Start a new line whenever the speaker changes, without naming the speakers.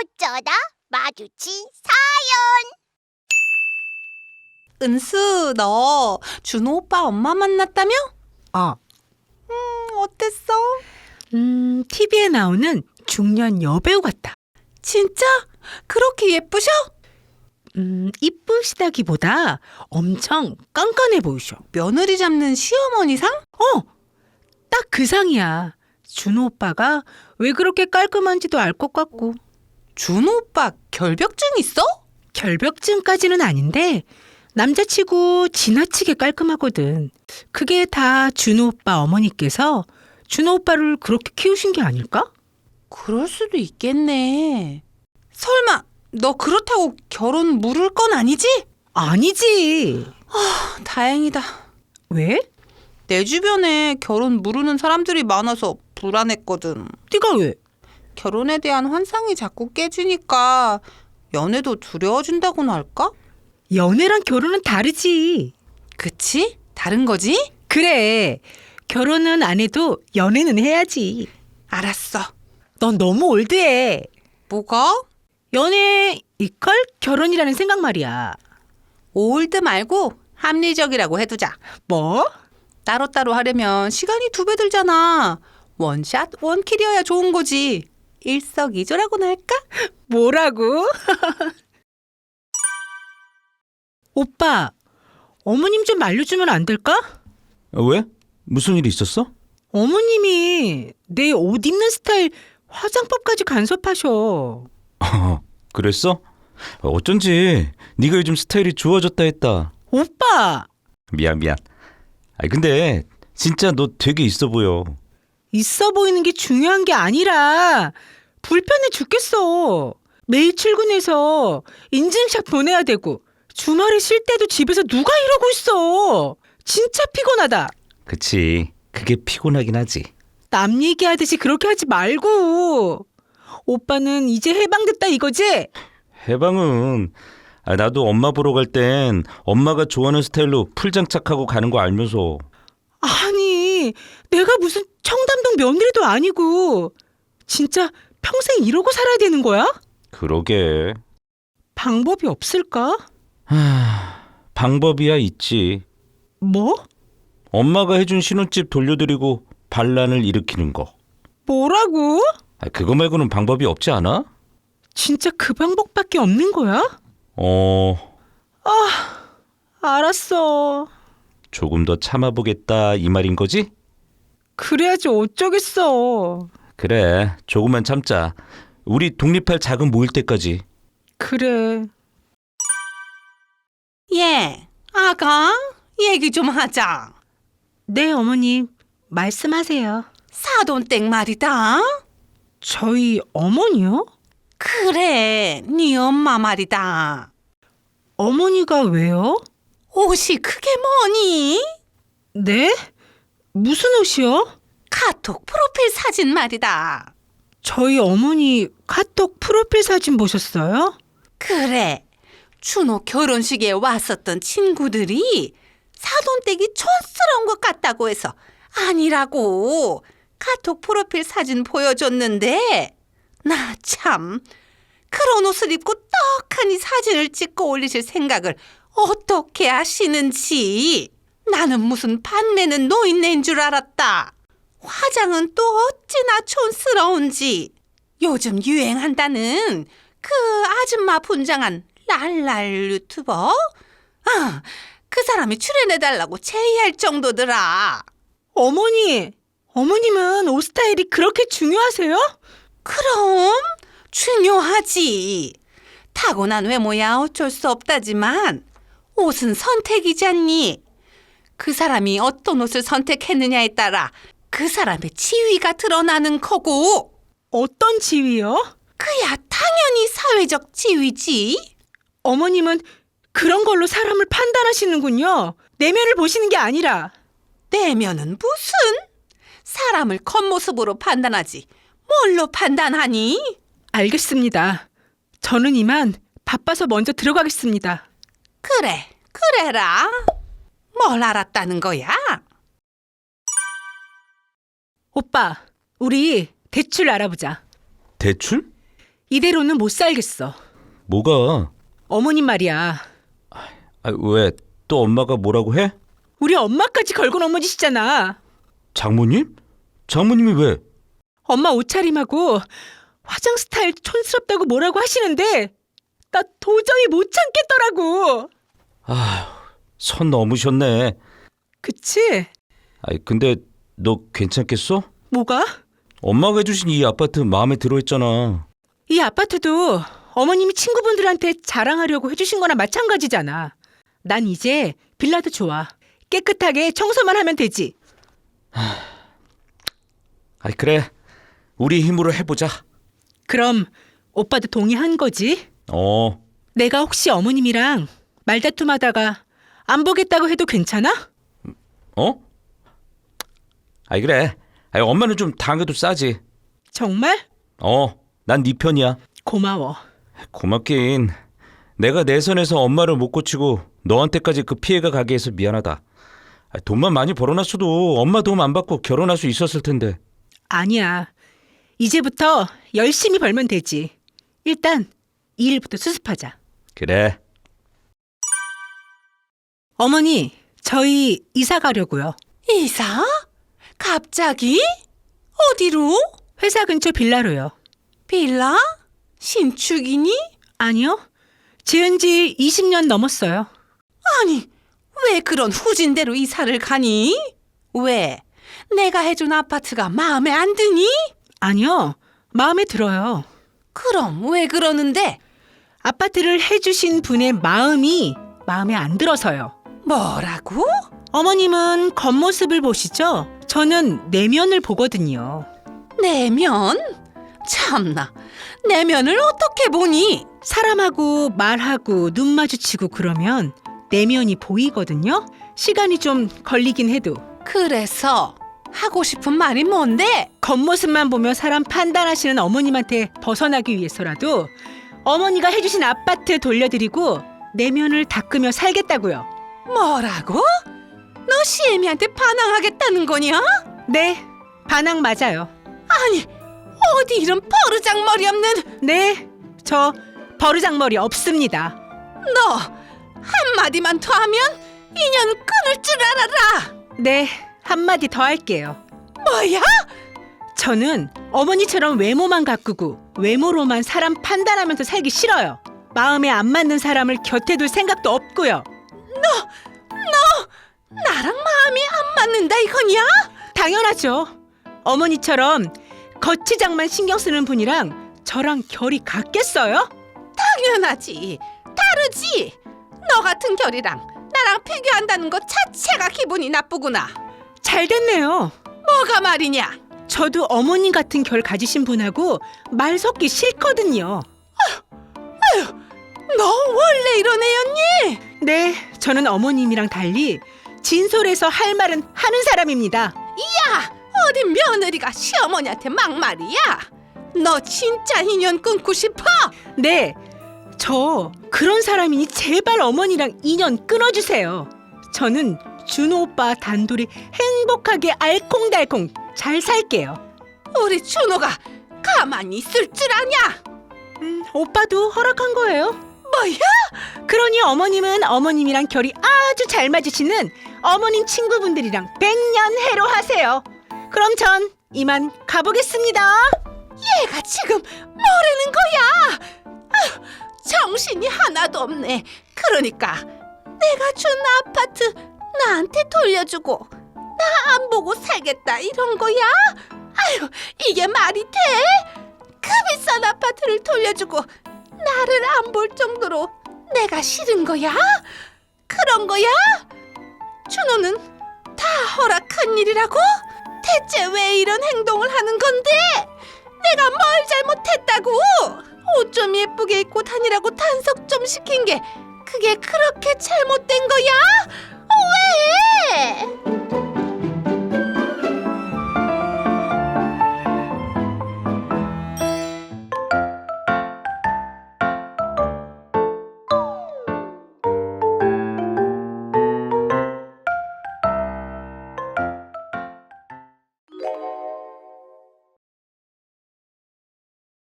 어쩌다 마주친
은수, 너 준호 오빠 엄마 만났다며? 어땠어?
TV에 나오는 중년 여배우 같다.
진짜? 그렇게 예쁘셔?
이쁘시다기보다 엄청 깐깐해 보이셔.
며느리 잡는 시어머니상?
딱 그 상이야. 준호 오빠가 왜 그렇게 깔끔한지도 알 것 같고.
준호 오빠 결벽증 있어?
결벽증까지는 아닌데 남자치고 지나치게 깔끔하거든. 그게 다 준호 오빠 어머니께서 준호 오빠를 그렇게 키우신 게 아닐까?
그럴 수도 있겠네. 설마 너 그렇다고 결혼 물을 건 아니지?
아니지.
다행이다.
왜?
내 주변에 결혼 무르는 사람들이 많아서 불안했거든.
네가 왜?
결혼에 대한 환상이 자꾸 깨지니까 연애도 두려워진다고나 할까?
연애랑 결혼은 다르지.
그치? 다른 거지?
그래. 결혼은 안 해도 연애는 해야지.
알았어.
넌 너무 올드해.
뭐가?
연애 이퀄 결혼이라는 생각 말이야.
올드 말고 합리적이라고 해두자.
뭐?
따로따로 하려면 시간이 2배 들잖아. 원샷 원킬이어야 좋은 거지. 일석이조라고나 할까?
뭐라고? 오빠, 어머님 좀 알려주면 안 될까?
왜? 무슨 일이 있었어?
어머님이 내 옷 입는 스타일 화장법까지 간섭하셔.
그랬어? 어쩐지 네가 요즘 스타일이 좋아졌다 했다.
오빠!
미안. 근데 진짜 너 되게 있어 보여.
있어 보이는 게 중요한 게 아니라 불편해 죽겠어. 매일 출근해서 인증샷 보내야 되고 주말에 쉴 때도 집에서 누가 이러고 있어. 진짜 피곤하다.
그치, 그게 피곤하긴 하지.
남 얘기하듯이 그렇게 하지 말고. 오빠는 이제 해방됐다 이거지?
해방은 나도 엄마 보러 갈 땐 엄마가 좋아하는 스타일로 풀장착하고 가는 거 알면서.
아니, 내가 무슨 청담동 며느리도 아니고 진짜 평생 이러고 살아야 되는 거야?
그러게.
방법이 없을까?
방법이야 있지.
뭐?
엄마가 해준 신혼집 돌려드리고 반란을 일으키는 거.
뭐라고?
그거 말고는 방법이 없지 않아?
진짜 그 방법밖에 없는 거야? 알았어.
조금 더 참아보겠다 이 말인 거지?
그래야지 어쩌겠어.
그래, 조금만 참자. 우리 독립할 자금 모일 때까지.
그래.
예, 아가, 얘기 좀 하자.
네, 어머님. 말씀하세요.
사돈댁 말이다.
저희 어머니요?
그래, 네 엄마 말이다.
어머니가 왜요?
옷이 그게 뭐니?
네? 무슨 옷이요?
카톡 프로필 사진 말이다.
저희 어머니 카톡 프로필 사진 보셨어요?
그래, 준호 결혼식에 왔었던 친구들이 사돈댁이 촌스러운 것 같다고 해서 아니라고 카톡 프로필 사진 보여줬는데 나 참 그런 옷을 입고 떡하니 사진을 찍고 올리실 생각을 어떻게 하시는지. 나는 무슨 반매는 노인네인 줄 알았다. 화장은 또 어찌나 촌스러운지. 요즘 유행한다는 그 아줌마 분장한 랄랄 유튜버? 그 사람이 출연해달라고 제의할 정도더라.
어머님은 옷 스타일이 그렇게 중요하세요?
그럼 중요하지. 타고난 외모야 어쩔 수 없다지만 옷은 선택이잖니. 그 사람이 어떤 옷을 선택했느냐에 따라 그 사람의 지위가 드러나는 거고.
어떤 지위요?
그야 당연히 사회적 지위지.
어머님은 그런 걸로 사람을 판단하시는군요. 내면을 보시는 게 아니라.
내면은 무슨? 사람을 겉모습으로 판단하지 뭘로 판단하니?
알겠습니다. 저는 이만 바빠서 먼저 들어가겠습니다.
그래, 그래라. 뭘 알았다는 거야?
오빠, 우리 대출 알아보자.
대출?
이대로는 못 살겠어.
뭐가?
어머님 말이야.
왜? 또 엄마가 뭐라고 해?
우리 엄마까지 걸고 넘어지시잖아.
장모님? 장모님이 왜?
엄마 옷차림하고 화장 스타일 촌스럽다고 뭐라고 하시는데 나 도저히 못 참겠더라고.
선 넘으셨네.
그치?
근데 너 괜찮겠어?
뭐가?
엄마가 해주신 이 아파트 마음에 들어 했잖아.
이 아파트도 어머님이 친구분들한테 자랑하려고 해주신 거나 마찬가지잖아. 난 이제 빌라도 좋아. 깨끗하게 청소만 하면 되지.
그래. 우리 힘으로 해보자.
그럼 오빠도 동의한 거지? 내가 혹시 어머님이랑 말다툼하다가 안 보겠다고 해도 괜찮아?
그래. 엄마는 좀 당해도 싸지.
정말?
난 네 편이야.
고마워.
고맙긴. 내가 내 선에서 엄마를 못 고치고 너한테까지 그 피해가 가게 해서 미안하다. 돈만 많이 벌어놨어도 엄마 도움 안 받고 결혼할 수 있었을 텐데.
아니야. 이제부터 열심히 벌면 되지. 일단 이 일부터 수습하자.
그래.
어머니, 저희 이사 가려고요.
이사? 갑자기? 어디로?
회사 근처 빌라로요.
빌라? 신축이니?
아니요. 지은 지 20년 넘었어요.
아니, 왜 그런 후진대로 이사를 가니? 왜? 내가 해준 아파트가 마음에 안 드니?
아니요. 마음에 들어요.
그럼 왜 그러는데?
아파트를 해주신 분의 마음이 마음에 안 들어서요.
뭐라고?
어머님은 겉모습을 보시죠? 저는 내면을 보거든요.
내면? 참나, 내면을 어떻게 보니?
사람하고 말하고 눈 마주치고 그러면 내면이 보이거든요. 시간이 좀 걸리긴 해도.
그래서 하고 싶은 말이 뭔데?
겉모습만 보며 사람 판단하시는 어머님한테 벗어나기 위해서라도 어머니가 해주신 아파트 돌려드리고 내면을 닦으며 살겠다고요.
뭐라고? 너 시애미한테 반항하겠다는 거냐?
네, 반항 맞아요.
아니, 어디 이런 버르장머리 없는
네, 저 버르장머리 없습니다.
너 한마디만 더 하면 인연 끊을 줄 알아라.
네, 한마디 더 할게요.
뭐야?
저는 어머니처럼 외모만 가꾸고 외모로만 사람 판단하면서 살기 싫어요. 마음에 안 맞는 사람을 곁에 둘 생각도 없고요.
나랑 마음이 안 맞는다 이거냐?
당연하죠. 어머니처럼 거치장만 신경 쓰는 분이랑 저랑 결이 같겠어요?
당연하지. 다르지. 너 같은 결이랑 나랑 비교한다는 것 자체가 기분이 나쁘구나.
잘 됐네요.
뭐가 말이냐?
저도 어머님 같은 결 가지신 분하고 말 섞기 싫거든요.
너 원래 이런 애였니?
네, 저는 어머님이랑 달리 진솔해서 할 말은 하는 사람입니다.
야, 어디 며느리가 시어머니한테 막말이야? 너 진짜 인연 끊고 싶어?
네, 저 그런 사람이니 제발 어머니랑 인연 끊어주세요. 저는 준호 오빠 단둘이 행복하게 알콩달콩 잘 살게요.
우리 준호가 가만히 있을 줄 아냐?
오빠도 허락한 거예요.
뭐야?
그러니 어머님은 어머님이랑 결이 아주 잘 맞으시는 어머님 친구분들이랑 백년해로 하세요. 그럼 전 이만 가보겠습니다.
얘가 지금 뭐라는 거야? 아휴, 정신이 하나도 없네. 그러니까 내가 준 아파트 나한테 돌려주고 나 안 보고 살겠다 이런 거야? 아휴, 이게 말이 돼? 그 비싼 아파트를 돌려주고 나를 안 볼 정도로 내가 싫은 거야? 그런 거야? 준호는 다 허락한 일이라고? 대체 왜 이런 행동을 하는 건데? 내가 뭘 잘못했다고? 옷 좀 예쁘게 입고 다니라고 단속 좀 시킨 게 그게 그렇게 잘못된 거야? 왜?